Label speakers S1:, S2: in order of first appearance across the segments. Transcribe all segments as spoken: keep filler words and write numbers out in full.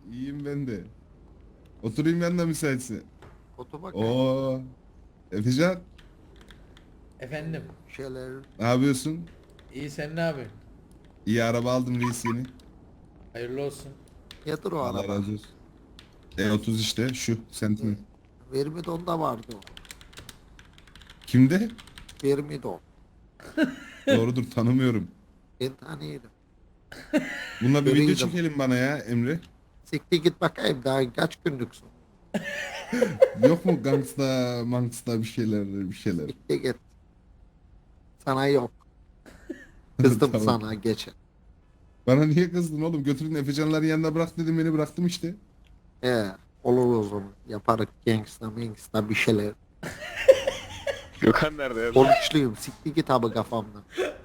S1: İyiyim ben de. Oturayım ben de müsaitsin.
S2: Otur bakayım.
S1: Oo. Efecan,
S3: Efendim.
S2: Şeyler.
S1: ne yapıyorsun?
S3: İyi, sen ne yapıyorsun?
S1: İyi araba aldım reis yeni.
S3: Hayırlı olsun.
S2: Nedir o
S1: Allah
S2: araba?
S1: razı olsun. E otuz işte şu Sentinel.
S2: Vermidon'da vardı o.
S1: Kimde?
S2: Vermidon.
S1: Doğrudur tanımıyorum.
S2: Ben tanıyorum.
S1: Bununla bir video
S2: Veriydim.
S1: çekelim bana ya Emre.
S2: Siktir git bakayım daha kaç günlüksün.
S1: Yok mu gangsta, mangsta bir şeyler bir şeyler.
S2: Siktir git. Sana yok. Kızdım
S1: Tamam.
S2: sana geçen.
S1: Bana niye kızdın oğlum? Götürün Efecanların yanına bırak dedim beni bıraktım işte.
S2: He, olur o zaman. Yaparız gangsta mangsta bir şeyler.
S4: Gökhan nerede ya?
S2: Oruçluyum. Siktir git abi kafamdan.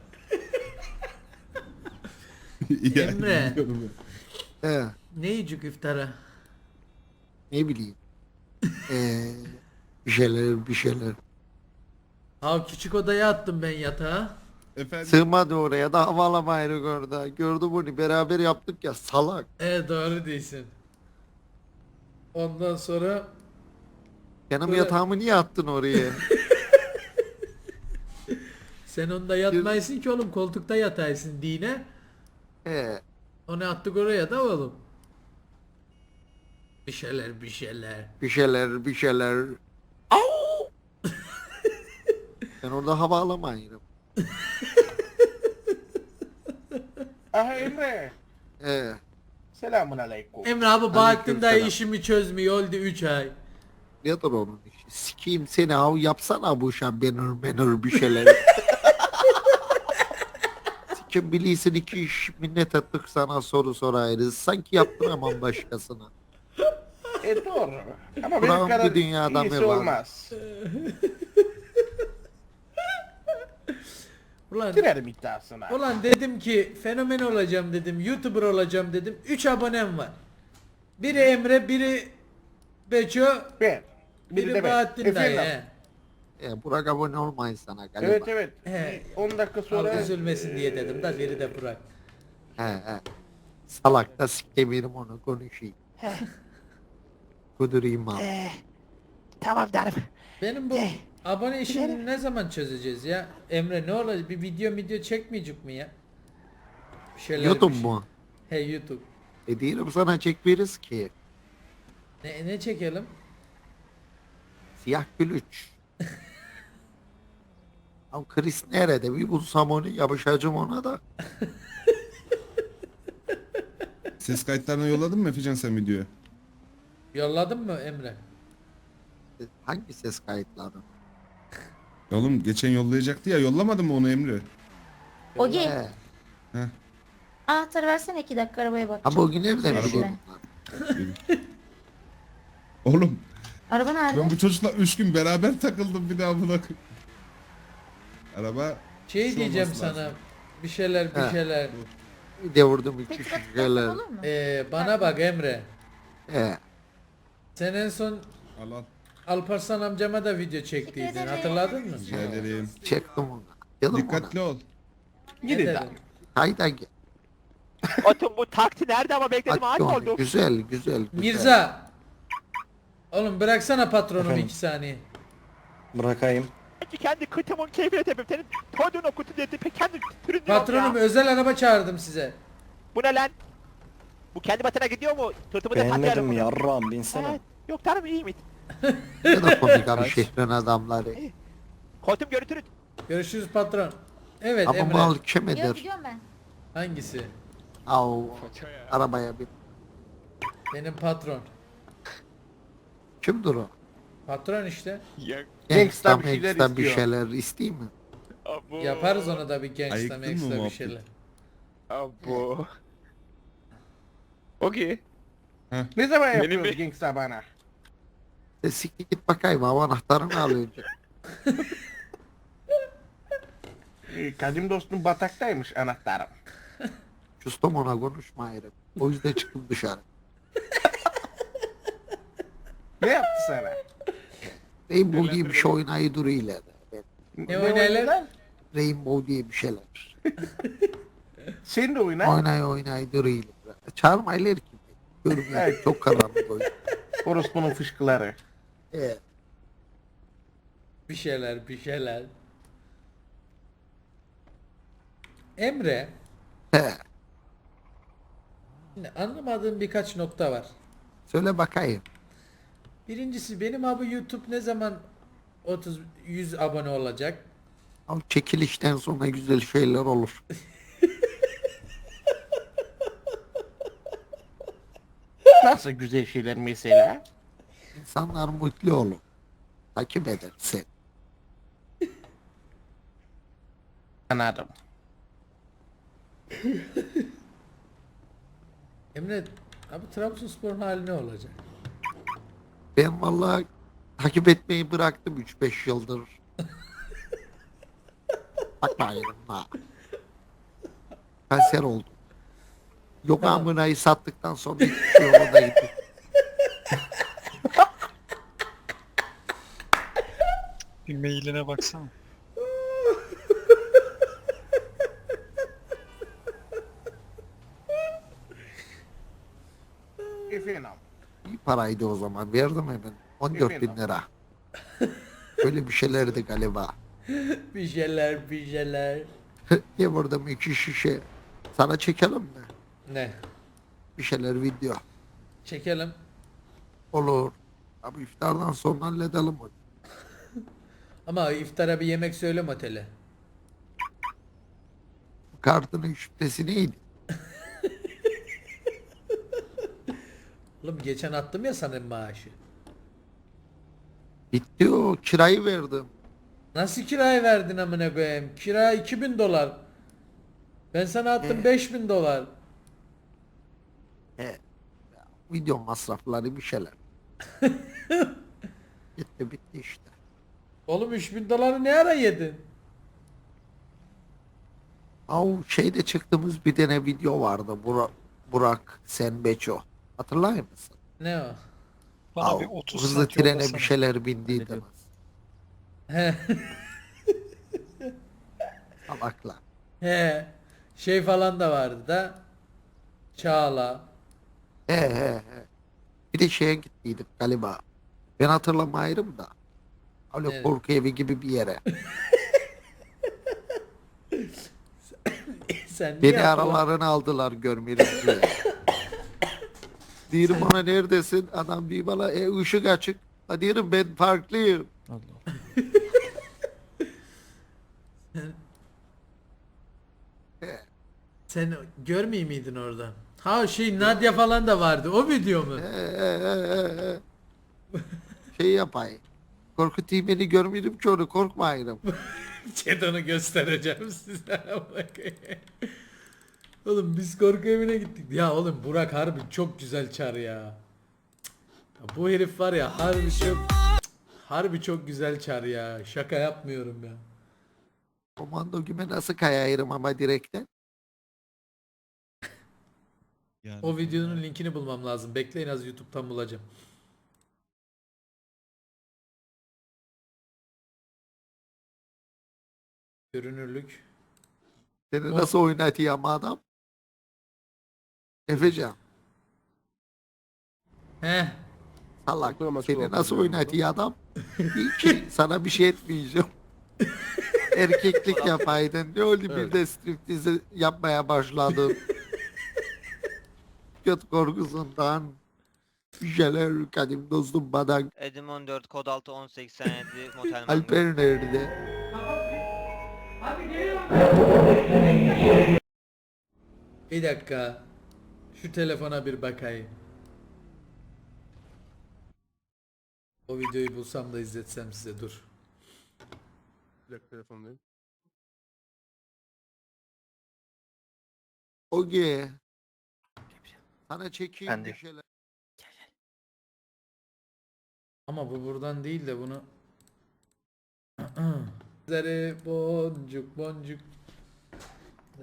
S1: Ya,
S3: Emre.
S1: biliyorum ya.
S2: He,
S3: Ne yiyecek iftara?
S2: ne bileyim. Ee, bir şeyler bir şeyler.
S3: Ha, küçük odaya attım ben yatağa.
S1: Efendim.
S2: Sığmadı oraya da havalamayırık orada. Gördü bunu beraber yaptık ya salak.
S3: E doğru değilsin. Ondan sonra
S2: Benim
S3: Böyle-
S2: yatağımı niye attın oraya?
S3: sen onda yatmaysın ki oğlum, koltukta yataysın dine.
S2: He,
S3: Onu attık oraya da oğlum. Bir şeyler bir şeyler.
S2: bir şeyler bir şeyler. Au! Ben orada hava alamayırım.
S5: Aha Emre.
S2: He,
S5: Selamun aleyküm.
S3: Emre abi Bahattin dayı
S2: Aleykümselam.
S3: işimi çözmüyor, oldu üç ay.
S2: nedir onun işi? Sikeyim seni av yapsana bu şan benir benir bir şeyler. Sikim bilirsin iki iş minnet ettik sana soru sorarız. Sanki yaptıramam başkasına.
S5: E doğru. Ama
S2: Buram
S5: benim kadar
S2: bir dünyada
S5: iyisi
S2: mı var?
S5: olmaz.
S3: Ulan,
S5: Girerim iddiasına.
S3: ulan dedim ki fenomen olacağım dedim, YouTuber olacağım dedim. üç abonem var. Biri Emre, biri Beço,
S5: Ben. Biri
S3: biri
S5: de ben.
S3: Bahattin dayı.
S5: Efendim.
S3: he.
S2: E, Burak abone olmayın sana galiba.
S5: Evet evet.
S3: He.
S5: on dakika
S3: Al
S5: sonra
S3: üzülmesin diye dedim da biri de Burak.
S2: He he. Salak da sikemirim onu konuşayım. Kudurayım abi.
S5: tamam derim.
S3: Benim bu abone işini ne zaman çözeceğiz ya? Emre ne olacak? Bir video video çekmeyecek mi ya? Bir şeyler,
S2: YouTube
S3: bir şey-
S2: mu?
S3: He, YouTube.
S2: E diyelim sana çekmeriz ki.
S3: Ne, ne çekelim?
S2: Siyah gülüç. Ama Chris nerede? Bir bulsam onu yapışacağım ona da.
S1: Ses kayıtlarını yolladın mı Efecan sen videoya?
S3: Yolladın mı Emre?
S2: E, Hangi ses kayıtları?
S1: Ya oğlum geçen yollayacaktı ya yollamadın mı onu Emre?
S6: Ogi,
S2: He.
S1: Heh.
S6: anahtarı versene iki dakika arabaya
S2: Ama
S6: bakacağım.
S2: o gün nereden
S6: Araba-
S2: biliyorum?
S1: Oğlum
S6: Araba nerede?
S1: ben bu çocukla üç gün beraber takıldım bir daha buna. Araba
S3: Şey
S1: Şu
S3: diyeceğim
S1: olması
S3: sana.
S1: lazım.
S3: Bir şeyler bir
S2: He.
S3: şeyler.
S2: Bir de vurdum iki
S6: Peki
S2: şişeler.
S6: olur mu?
S3: Ee, bana bak Emre.
S2: He.
S3: Sen en son
S1: al al.
S3: Alparslan amcama da video çektiydin.
S6: ederim.
S3: Hatırladın mı?
S1: Rica ederim.
S2: Çektim onu. Dedim ona.
S1: Dikkatli ol.
S5: Gidin
S3: Ne
S5: de.
S3: dedin?
S2: Hayda gel.
S4: Atın bu takti nerede ama bekledim
S2: Hadi
S4: ağaç
S2: onu.
S4: oldu.
S2: Güzel güzel güzel.
S3: Mirza. Oğlum bıraksana patronumu iki saniye.
S7: Bırakayım.
S4: Kendi kıtımın keyfine tepim. Senin koyduğun o kutu dedi. Pek kendi türün
S3: Patronum
S4: ya.
S3: özel araba çağırdım size.
S4: Bu ne lan? Bu kendi batına gidiyor mu? Tırtımı da patlayalım
S7: Beğenmedim
S4: bunu.
S7: yarram binsene.
S4: Evet. Yok tanrım iyi mi?
S2: Ne de komik abi şehrin adamları.
S4: Koltuğum görüntülü.
S3: Görüşürüz patron. Evet
S2: Ama
S3: Emre.
S2: mal
S6: Yok,
S2: kemedir.
S6: gidiyorum ben.
S3: Hangisi?
S2: Au. Arabaya bir.
S3: Benim patron.
S2: Kimdir o?
S3: Patron işte.
S4: Ya.
S2: Gangsta
S5: bir şeyler
S2: mangsta bir
S5: istiyor.
S2: şeyler isteyeyim mi?
S4: Abo.
S3: Yaparız ona da bir gangsta
S1: Ayıktın mı
S3: mangsta bir
S1: muhabbet?
S3: şeyler.
S4: Abo. Okey.
S5: Ne zaman
S4: Benim
S5: yapıyoruz
S4: bir-
S5: gangsta bana?
S2: E siktir git bakayım hava anahtarını al önce.
S5: Ee, Kadim dostum bataktaymış anahtarım.
S2: Custom ona konuşma ayrı. O yüzden çıktım dışarı.
S5: Ne yaptı sana?
S2: Rainbow diye bir şey oynayı duruyor ileride. Ben-
S3: Ne oynayalım?
S5: oynadılar?
S2: Rainbow diye bir şeyler.
S5: Sen de oyna.
S2: Oynay oynay duruyor ileride. Çağırmaylar ki. Görmüyor. Çok karanlık o yüzden.
S5: Orospunun fışkıları.
S2: Ee,
S3: Bir şeyler bir şeyler. Emre,
S2: he.
S3: şimdi anlamadığım birkaç nokta var.
S2: Söyle bakayım.
S3: Birincisi benim abi YouTube ne zaman otuz yüz abone olacak?
S2: Al çekilişten sonra güzel şeyler olur.
S5: Nasıl güzel şeyler mesela?
S2: İnsanlar mutlu olur. Takip edersin.
S5: Anladım.
S3: Emre, abi Trabzonspor'un hali ne olacak?
S2: Ben vallahi takip etmeyi bıraktım üç beş yıldır. Bakmayın ha. Kanser oldum. Yok amınayı sattıktan sonra hiçbir şey yolunda gitti.
S8: Bir mailine baksana.
S5: Efendim.
S2: İyi paraydı o zaman. Verdim hemen. on dört bin lira. Öyle bir şeylerdi galiba.
S3: Bir şeyler bir şeyler.
S2: Ne vurdum iki şişe. Sana çekelim mi?
S3: Ne?
S2: Bir şeyler video.
S3: Çekelim.
S2: Olur. Abi iftardan sonra halledelim onu.
S3: Ama iftara bir yemek söyle otele.
S2: Kartının şüphesi neydi?
S3: Oğlum geçen attım ya sana maaşı.
S2: Bitti o. Kirayı verdim.
S3: Nasıl kirayı verdin amına koyayım? Kira iki bin dolar. Ben sana attım beş bin dolar.
S2: He. Video masrafları bir şeyler. Gitti bitti işte.
S3: Oğlum üç bin doları ne ara yedin?
S2: Au şeyde çıktığımız bir tane video vardı. Burak, Burak Sen Beço. Hatırlar mısın?
S3: Ne o?
S8: Bana
S2: Au,
S8: bir otuz
S2: hızlı
S8: saat
S2: trene
S8: yollasana.
S2: bir şeyler bindiydi.
S3: He.
S2: Salaklar.
S3: He. Şey falan da vardı da. Çağla.
S2: He he he. Bir de şeye gittiydik galiba. Ben hatırlamayırım da. Öyle
S3: Evet.
S2: korku evi gibi bir yere.
S3: Sen niye
S2: Beni
S3: hatırla-
S2: aralarına aldılar görmeyelim diye. Diyorum ona neredesin? Adam bir bana e, ışık açık. Ha diyorum ben farklıyım.
S3: Sen görmeyeyim miydin orada? Ha şey Nadia falan da vardı. O video mu?
S2: Ee, ee, ee, ee. Şey yapayım. Korkutayım beni görmeyelim ki onu korkmayırım.
S3: Çeton'u göstereceğim size. Oğlum biz korku evine gittik. Ya oğlum Burak harbi çok güzel çar ya. Ya bu herif var ya harbi çok harbi çok güzel çar ya. Şaka yapmıyorum ya.
S2: Komando gibi nasıl kayayırım ama direkten.
S3: O videonun linkini bulmam lazım. Bekleyin az YouTube'dan bulacağım. Görünürlük.
S2: Seni
S3: O-
S2: nasıl oynatıyor ama adam? Efecan.
S3: Heh.
S2: Salak.
S5: Oturma,
S2: Seni
S5: oturma,
S2: nasıl
S5: oturma.
S2: oynatıyor adam? İyi ki sana bir şey etmeyeceğim. Erkeklik yapaydın. Ne oldu bir de striptizi yapmaya başladın. Göt korkusundan. Bir şeyler kadim dostum bana.
S9: Edim on dört kod altı on seksen yedi motel mango.
S2: Alper nerede?
S3: Bir dakika. Şu telefona bir bakayım. O videoyu bulsam da izletsem size dur.
S5: Bir dakika telefondayım.
S2: Oge. Sana çekeyim
S7: Ben de.
S2: bir şeyler.
S3: Ama bu buradan değil de bunu Zere boncuk boncuk. Dur.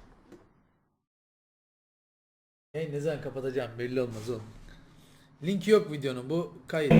S3: Hey ne zaman kapatacağım belli olmaz oğlum. Link yok videonun bu kayıt.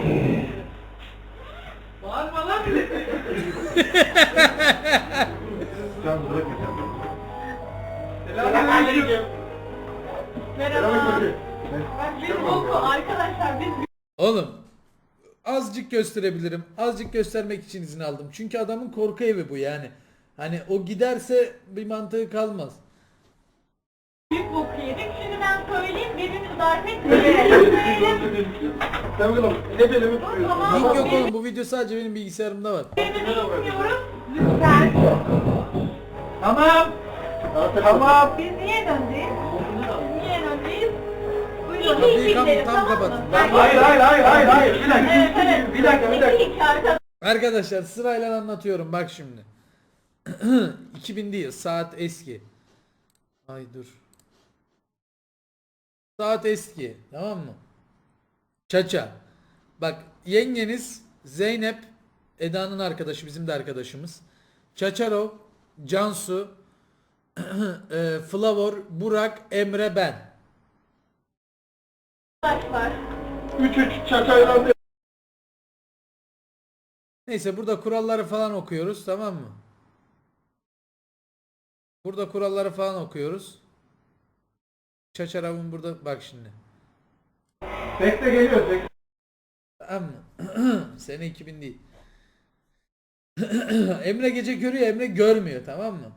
S3: Bağırma lan Oğlum azıcık gösterebilirim. Azıcık göstermek için izin aldım. Çünkü adamın korku evi bu yani. Hani o giderse bir mantığı kalmaz.
S10: Büyük boku yedik. Şimdi ben söyleyeyim, birbirimizi darp etmeyelim. Tamam.
S3: Link yok oğlum, bu video sadece benim bilgisayarımda var.
S10: Birbirimizi istiyoruz. Lütfen.
S4: Tamam. Tamam.
S10: Biz niye döndük? Biz niye döndük? Buyurun.
S3: Kapıyı
S10: İki
S3: tam-
S10: gidelim,
S3: tam
S10: tamam mı?
S3: kapatın.
S4: Hayır hayır hayır hayır hayır. Bir dakika.
S10: Evet, evet.
S4: Bir dakika bir dakika.
S10: İki iki arkadaşlar.
S3: Arkadaşlar sırayla anlatıyorum bak şimdi. iki bin değil, saat eski. Ay dur. Saat eski, tamam mı? Çaça. Bak yengeniz Zeynep, Eda'nın arkadaşı, bizim de arkadaşımız. Çaçarov, Cansu, e, Flavor, Burak, Emre, ben.
S4: Üç üç çaçayla.
S3: Neyse burada kuralları falan okuyoruz, tamam mı? Burada kuralları falan okuyoruz. Çaçarov'un burada bak şimdi.
S4: Bekle geliyor. Bekle.
S3: Tamam mı? Sene iki bin değil. Emre gece görüyor, Emre görmüyor, tamam mı?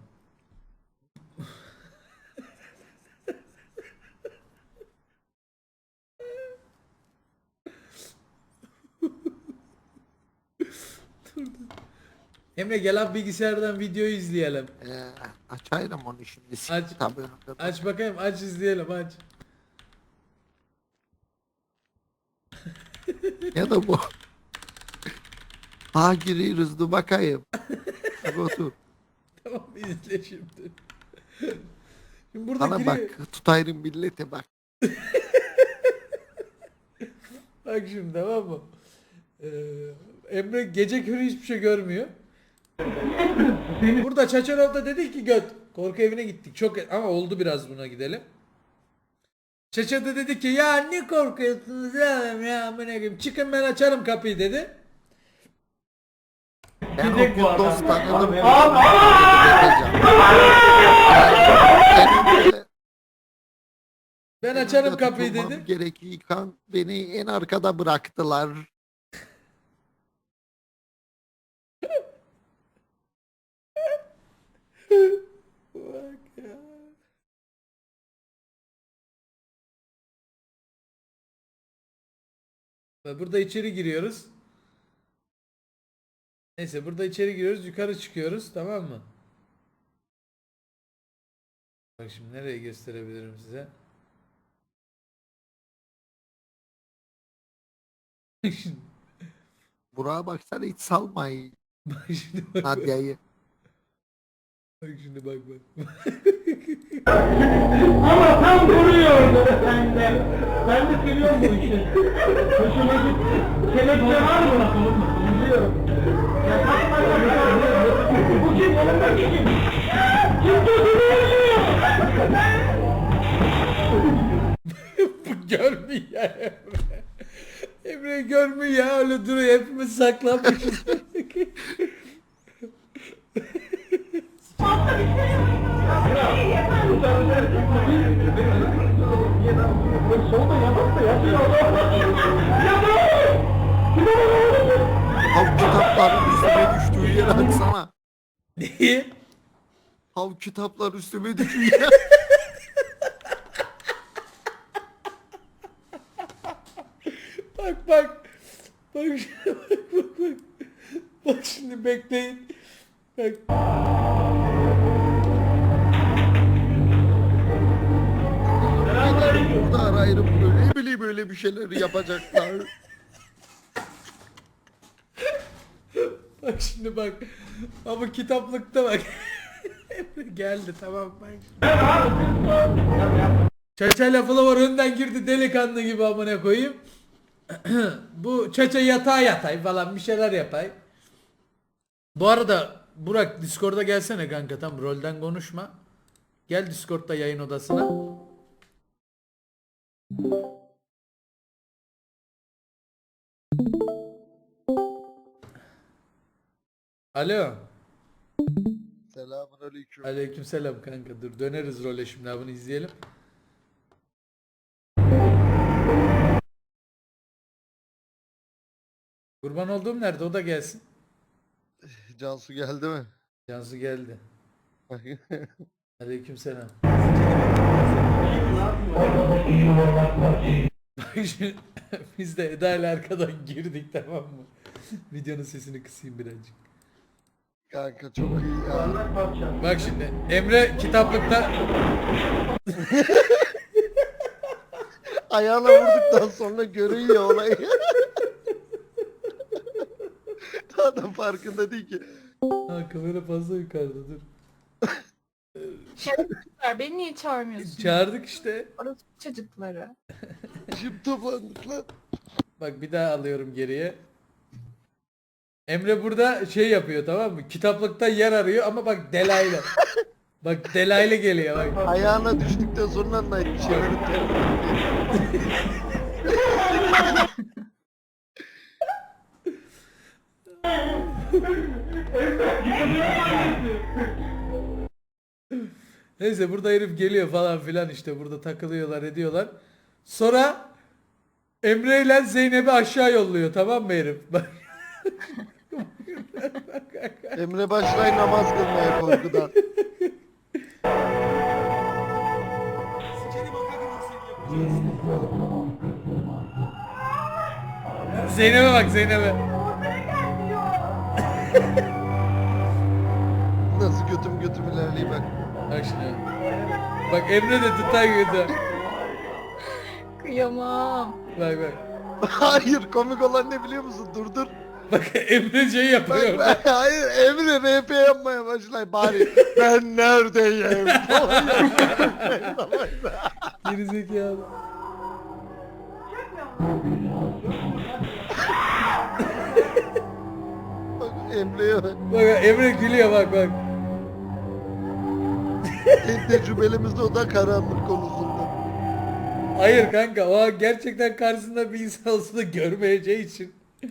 S3: Emre gel abi bilgisayardan videoyu izleyelim.
S2: Ee, açayım onu şimdi.
S3: Aç.
S2: Tabii önümde.
S3: Aç bakayım, aç izleyelim, aç.
S2: Ya da bu. Ha giriyoruz dur bakayım. Hadi otur.
S3: Tamam izle şimdi. Şimdi burada
S2: Bana
S3: giriyor.
S2: bak tutayım millete bak.
S3: Bak şimdi tamam mı? Ee, Emre gece körü hiçbir şey görmüyor. Burada Çaçarov da dedi ki göt. Korku evine gittik. Çok ama oldu biraz buna gidelim. Çaça da dedi ki ya ne korkuyorsunuz ya ya amına koyayım. Çıkın ben açarım kapıyı dedi.
S2: Ben
S4: Gidecek
S2: okul
S4: bu adam.
S2: dost tanıdım.
S4: Abi,
S3: Ben açarım kapıyı dedi.
S2: Gerekirken beni en arkada bıraktılar.
S3: Bak ya. Ve burada içeri giriyoruz. Neyse burada içeri giriyoruz, yukarı çıkıyoruz, tamam mı? Bak şimdi nereye gösterebilirim size? Şimdi-
S2: Burak'a baksana hiç salmayın.
S3: bak şimdi bak, bak,
S2: Nadia'yı.
S3: bak şimdi bak bak.
S4: Ama tam vuruyordu ben de. Ben de seviyorum bu işi. Hoşuma gitti. Kelepçe var mı? Biliyorum. Ya takma ya. Bu kim? Yanındaki kim? Kim tutuyor?
S3: Bu görmüyor ya Emre. Emre görmüyor ya, öyle duruyor, hepimiz saklanmışız.
S4: Solda yalan da yatıyor.
S2: Hav kitaplar üstüme düştüğü yere atsana.
S3: Neyi?
S2: Hav kitaplar üstüme düştüğü yere.
S3: Bak bak. Bak şimdi bak bak bak. Bak şimdi bekleyin. Bak.
S2: Burada arayırım böyle. Ne bileyim böyle bir şeyler yapacaklar.
S3: Bak şimdi bak. Ama kitaplıkta bak. Emre geldi tamam bak. Çaça lafı var önden girdi delikanlı gibi amına koyayım. Bu Çaça yatağa yatay falan bir şeyler yapay. Bu arada Burak Discord'a gelsene kanka, tam rolden konuşma. Gel Discord'da yayın odasına. Alo.
S2: Selamünaleyküm.
S3: Aleykümselam kanka, dur döneriz role şimdi, bunu izleyelim. Kurban olduğum nerede, o da gelsin.
S2: Cansu geldi mi?
S3: Cansu geldi. Aleykümselam. Bak şimdi biz de Eda ile arkadan girdik, tamam mı? Videonun sesini kısayım birazcık.
S2: Kanka çok iyi ya.
S3: Bak şimdi Emre kitaplıkta
S2: Ayağına vurduktan sonra görüyor olayı. Daha da farkında değil ki.
S3: ha, kamera fazla yukarıda, dur.
S6: Şerefsizler, beni niye çağırmıyorsun?
S3: Çağırdık işte.
S6: Orası çocukları.
S2: Şimdi toplandık lan.
S3: Bak bir daha alıyorum geriye. Emre burada şey yapıyor, tamam mı? Kitaplıkta yer arıyor ama bak Delayla. Bak Delayla geliyor bak.
S2: Ayağına düştükten sonra Night çevirip
S3: Neyse burada herif geliyor falan filan, işte burada takılıyorlar ediyorlar. Sonra Emre ile Zeynep'i aşağı yolluyor, tamam mı herif? Bak.
S2: Emre başlay namaz kılmaya korkudan.
S3: Zeynep'e bak, Zeynep'e.
S2: Nasıl götüm götüm ilerleyeyim bak.
S3: Bak şimdi. Bak Emre de tutay götü.
S6: Kıyamam.
S3: Bak bak.
S2: Hayır, komik olan ne biliyor musun? Dur dur.
S3: Bak Emre şey yapıyor.
S2: Bak, bak, hayır, Emre R P yapmaya başlay bari. Ben neredeyim?
S3: Gerizekalı.
S2: Bak Emre'ye bak.
S3: Bak Emre gülüyor, bak bak.
S2: En tecrübelimiz de o da karanlık konusunda.
S3: Hayır kanka, o gerçekten karşısında bir insan olsa da görmeyeceği için.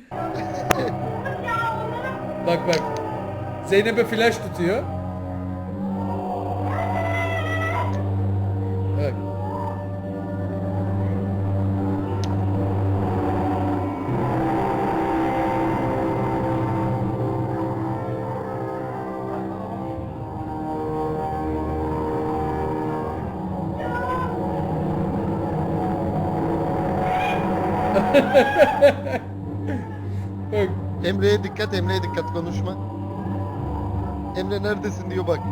S3: Bak bak. Zeynep'e flash tutuyor. Bak. Bak.
S2: Emre'ye dikkat, Emre'ye dikkat, konuşma. Emre neredesin diyor bak.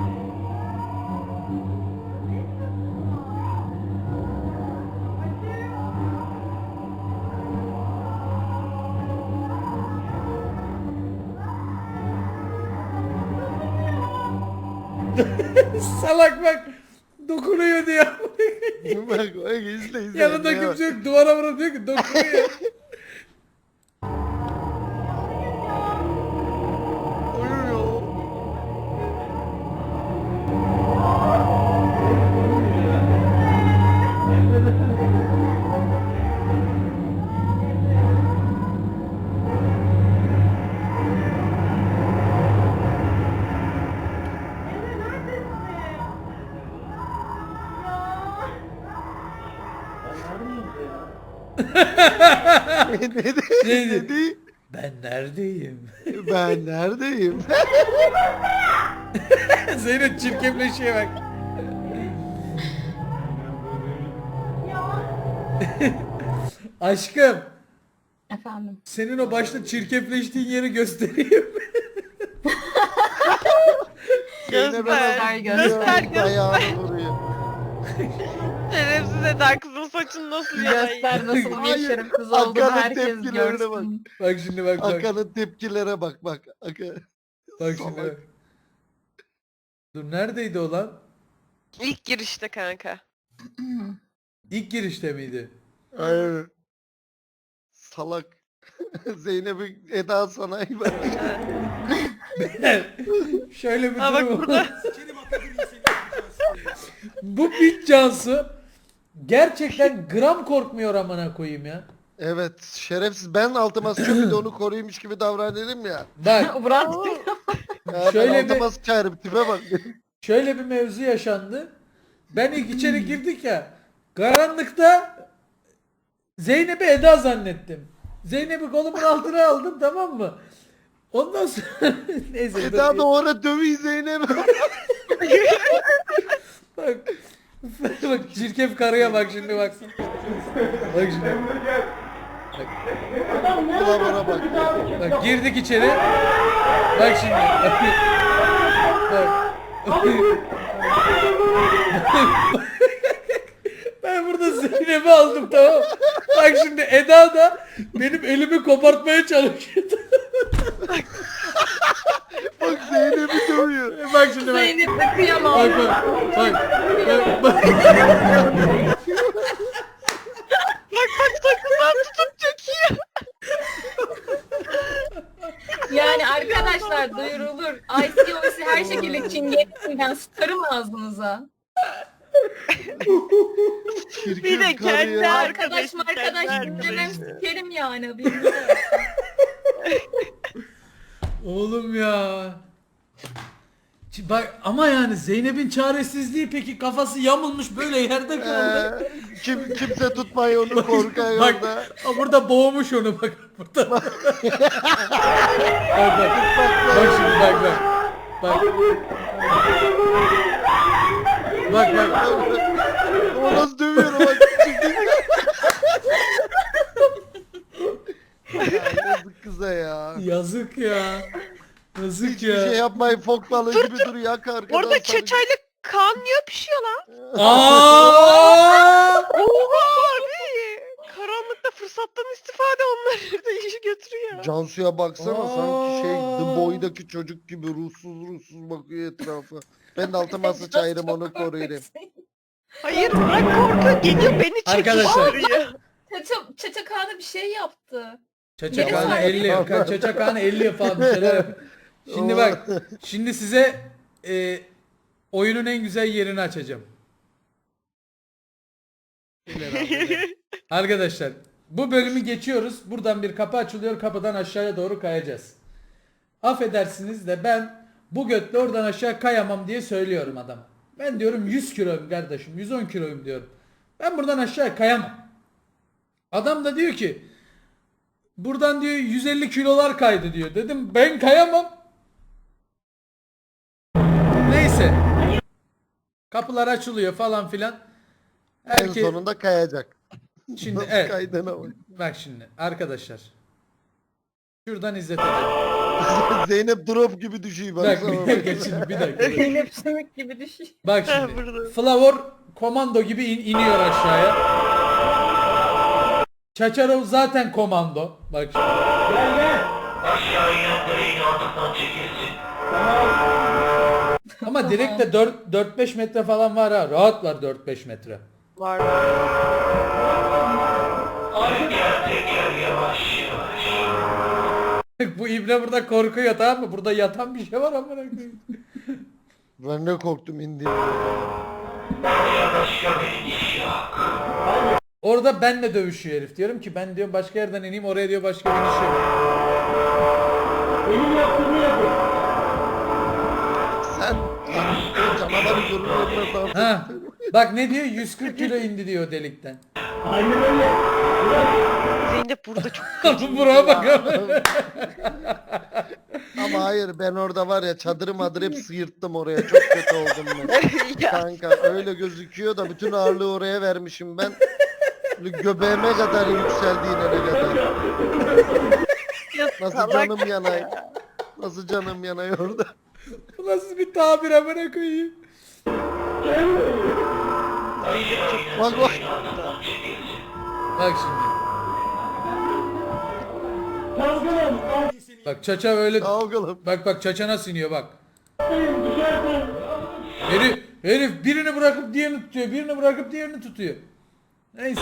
S3: Salak bak. Dokunuyor diyor.
S2: Bak bak izle izle.
S3: Yanında
S2: Emre'ye bak.
S3: kimse yok. Duvara vurup diyor ki dokunuyor.
S2: Uyuyor. ne dedi?
S3: Ne
S2: Ne
S3: dedi?
S2: dedi?
S3: Ben neredeyim?
S2: Ben neredeyim?
S3: Zeynep çirkefleşiyor bak. Aşkım,
S6: Efendim.
S3: senin o başta çirkefleştiğin yeri göstereyim.
S2: Göster,
S6: göster,
S2: göster. Ayağını vuruyor.
S10: Şerefsiz Eda, kızın saçını nasıl
S6: Göster nasıl bir
S2: Hayır,
S6: şerefsiz
S2: Hakan'ın
S6: olduğunu herkes
S2: tepkilerine
S6: görsün.
S3: Bak şimdi bak bak.
S2: Hakan'ın tepkilere bak bak. Hakan.
S3: Bak şimdi
S2: Salak.
S3: bak. Dur neredeydi o lan?
S10: İlk girişte kanka.
S3: İlk girişte miydi?
S2: Hayır. Salak. Zeynep'i Eda sanayi bak.
S3: Şöyle bir
S10: Ha, bak
S3: durum
S10: burada.
S3: var. Bu bit Cansu gerçekten gram korkmuyor amına koyayım ya.
S2: Evet, şerefsiz, ben altıma sıçıp bir de onu koruymuş gibi davranırım ya.
S3: Bak
S6: Murat
S2: Ya
S3: Şöyle
S2: ben
S3: bir-
S2: altıma sıçarım tipe bak.
S3: Şöyle bir mevzu yaşandı. Ben ilk içeri girdik ya. Karanlıkta Zeynep'i Eda zannettim. Zeynep'i kolumun altına aldım, tamam mı? Ondan sonra neyse.
S2: Eda da orada dövüyor Zeynep.
S3: Bak. Bak çirkef karıya bak şimdi baksın. Bak şimdi.
S2: Kılavura bak.
S3: Bak girdik içeri. Bak şimdi. Bak. Ben burada Zeynep'i aldım, tamam. Bak şimdi Eda da benim elimi kopartmaya çalışıyordu.
S2: Bak Zeynep'i dövüyor.
S3: Bak şimdi bak.
S6: Zeynep de kıyamam.
S3: Bak bak. Bak bak. bak.
S6: Yani arkadaşlar duyurulur. I C O C her şekilde çingenesinden sıkarım ağzınıza.
S2: Bir de kendi
S6: Arkadaş arkadaş dinlemem sikerim yani. haberiniz olsun.
S3: Oğlum ya. Ç- Bak ama yani Zeynep'in çaresizliği, peki kafası yamulmuş böyle yerde kaldı.
S2: Ee, kim kimse tutmuyor onu korkuyor
S3: Bak,
S2: orada.
S3: Aa, burada boğmuş onu bak burada. bak bak. Bak şimdi bak bak. Bak. Bak bak.
S2: O nasıl dövüyor o bak. Ya yazık kıza ya.
S3: Yazık ya. Yazık
S2: Hiçbir
S3: ya.
S2: şey yapmayın, fok balığı gibi duruyor arkadan.
S10: Orada çeçayla kan niye pişiyor lan?
S3: Aa!
S10: Oha abi. Karanlıkta fırsattan istifade onları da işi götürüyor.
S2: Cansu'ya baksana
S3: Aa.
S2: sanki şey The Boy'daki çocuk gibi ruhsuz ruhsuz bakıyor etrafa. Ben de altıma sıçayırım onu koruyayım.
S10: Hayır bırak korku geliyor beni
S3: Arkadaşlar.
S10: çekiştiriyor.
S6: Çaça, Çaça Kaan'a bir şey yaptı.
S3: Çaçakhan'a elli yok. Çaçakhan'a elli yok falan bir şeyler yap. Şimdi bak. Şimdi size e, oyunun en güzel yerini açacağım. Arkadaşlar bu bölümü geçiyoruz. Buradan bir kapı açılıyor. Kapıdan aşağıya doğru kayacağız. Affedersiniz de ben bu götle oradan aşağı kayamam diye söylüyorum adam. Ben diyorum yüz kiloyum kardeşim. yüz on kiloyum diyorum. Ben buradan aşağı kayamam. Adam da diyor ki buradan diyor yüz elli kilolar kaydı diyor. Dedim ben kayamam. Neyse. Kapılar açılıyor falan filan.
S2: En
S3: Herkes
S2: sonunda kayacak.
S3: şimdi
S2: Nasıl
S3: evet.
S2: kaydığına bak.
S3: Bak şimdi arkadaşlar. Şuradan izletelim.
S2: Zeynep drop gibi düşüyor
S3: Bak
S2: baksana.
S3: bir dakika şimdi bir dakika.
S6: Zeynep sümük gibi düşüyor.
S3: Bak
S10: Ha,
S3: şimdi.
S10: burada.
S3: Flavor komando gibi in- iniyor aşağıya. Çaçarov zaten komando. Bak şimdi.
S4: Gel gel.
S3: Ama direkt de dört beş metre falan var ha. Rahat var dört beş metre.
S10: Var.
S3: Bu ibne burada korkuyor, tamam mı? Burada yatan bir şey var amına koyayım.
S2: Ben de korktum indi.
S3: Orada benle dövüşüyor herif. Diyorum ki ben diyorum başka yerden ineyim, oraya diyor başka bir iş yok.
S4: Benim yaptığımı yapın.
S2: Sen o canavarı görünmez lazım.
S3: Ha. Bak ne diyor? yüz kırk kilo indi diyor delikten.
S4: Aynen öyle.
S10: Zeynep burada çok
S3: Buraya bak.
S2: Ama hayır ben orada var ya çadırı madır hep sıyırttım oraya. Çok kötü oldum ben.
S10: ya.
S2: Kanka öyle gözüküyor da bütün ağırlığı oraya vermişim ben. Böyle göbeğime kadar yükseldi inene kadar. Nasıl canım yanay. Nasıl canım yanay orada.
S3: Bu nasıl bir tabir amına koyayım?
S2: Bak bak.
S3: Bak şimdi.
S4: Kavgalım.
S3: Bak Çaça öyle.
S2: Kavgalım.
S3: Bak bak Çaça nasıl iniyor bak.
S4: Kavgalım. Düşersen.
S3: Herif, herif birini bırakıp diğerini tutuyor. Birini bırakıp diğerini tutuyor. Neyse.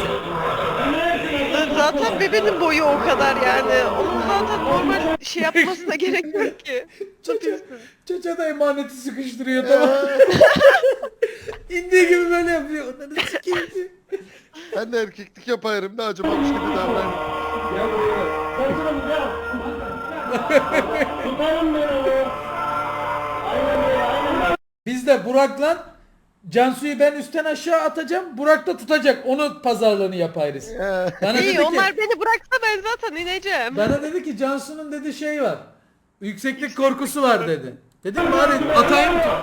S10: Zaten bebenin boyu o kadar yani. Onun zaten normal şey yapmasına gerek yok ki.
S3: Çaça, Çaça da emaneti sıkıştırıyor tamam. İndiği gibi böyle yapıyor. Onları sikeyim.
S2: Ben de erkeklik yaparım da acımamış gibi davran.
S4: Gel buraya. Kaçırım gel. Tutarım beni o.
S3: Biz de Burak'la Cansu'yu ben üstten aşağı atacağım. Burak da tutacak. Onu pazarlığını yaparız. Bana dedi
S6: İyi
S3: ki,
S6: onlar beni bıraksa ben zaten ineceğim.
S3: bana dedi ki Cansu'nun dedi şey var. Yükseklik korkusu var dedi. Dedim bari atayım mı?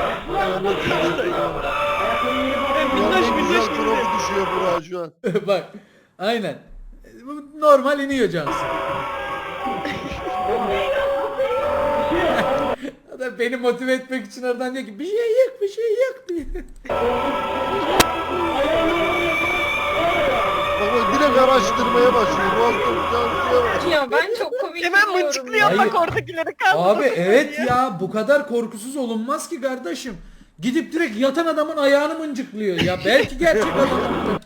S2: Minnoş minnoş dropu düşüyor Burak şu an.
S3: Bak. Aynen. Bu normal iniyor Cansu. O da beni motive etmek için oradan diyor ki bir şey yok bir şey yok diyor.
S2: Baba direkt araştırmaya başlıyor. Bu hafta Cansu'ya bak.
S6: Ya ben çok komik
S10: Hemen
S6: buluyorum
S10: mıncıklıyor
S6: ya.
S3: Hayır.
S10: bak oradakileri kaldı.
S3: Abi evet ya bu kadar korkusuz olunmaz ki kardeşim. Gidip direkt yatan adamın ayağını mıncıklıyor ya. Belki gerçek adam.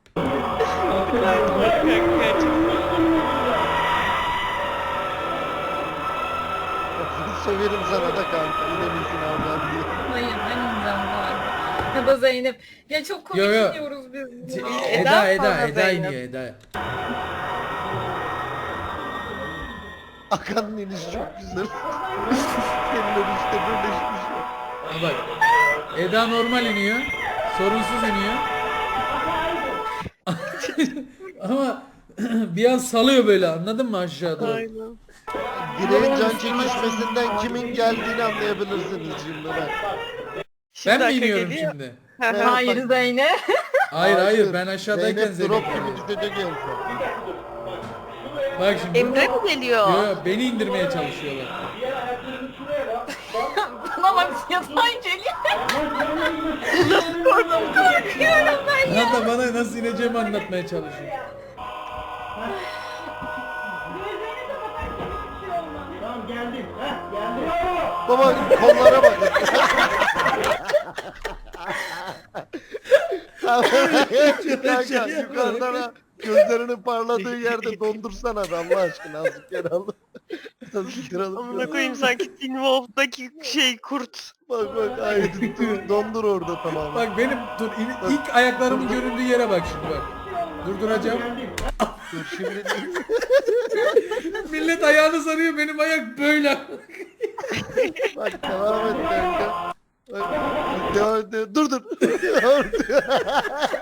S2: Severim sana da kanka. Yine bilsin ablam diye.
S6: Hayır ben ineceğim galiba. Ya da Zeynep. Ya çok komik
S3: Yo, yo.
S6: iniyoruz biz.
S3: Eda
S6: buna.
S3: Eda Eda,
S6: falan
S3: Eda
S6: Zeynep.
S3: iniyor Eda.
S2: Akan'ın inişi çok güzel. Senin işte birleşmiş.
S3: Ha bak. Eda normal iniyor. Sorunsuz iniyor. Ama bir an salıyor böyle anladın mı aşağı doğru?
S10: Aynen.
S2: Direğin can çekişmesinden kimin geldiğini anlayabilirsiniz şimdi ben.
S3: Ben mi
S10: arka
S3: iniyorum
S10: geliyor.
S3: şimdi?
S2: Evet,
S6: Hayır
S2: bak.
S6: Zeynep.
S3: Hayır hayır ben aşağıdayken
S2: Zeynep drop
S3: Zeynep
S2: gibi
S3: iniyor.
S2: düşecek en son.
S3: Bak şimdi.
S10: Emre mi geliyor?
S3: Yo, beni indirmeye çalışıyorlar.
S6: Bana bak yatay geliyor. Korkuyorum ben ya.
S3: Hatta bana nasıl ineceğimi anlatmaya çalışıyor.
S4: Tamam geldim. Heh geldim.
S2: Baba kollara bak. Kanka yukarıdan ha, gözlerinin parladığı yerde dondursana da Allah aşkına azıcık yer al. Azıcık yer al.
S10: Amına koyayım sanki Teen Wolf'daki şey kurt.
S2: Bak bak aynı dur, dondur orada tamamen.
S3: Bak benim dur in- ilk ayaklarımın göründüğü yere bak şimdi bak. Durduracağım.
S2: Dur şimdi
S3: Millet ayağını sarıyor benim ayak böyle.
S2: bak devam et kanka. Bak, devam et. Dur dur.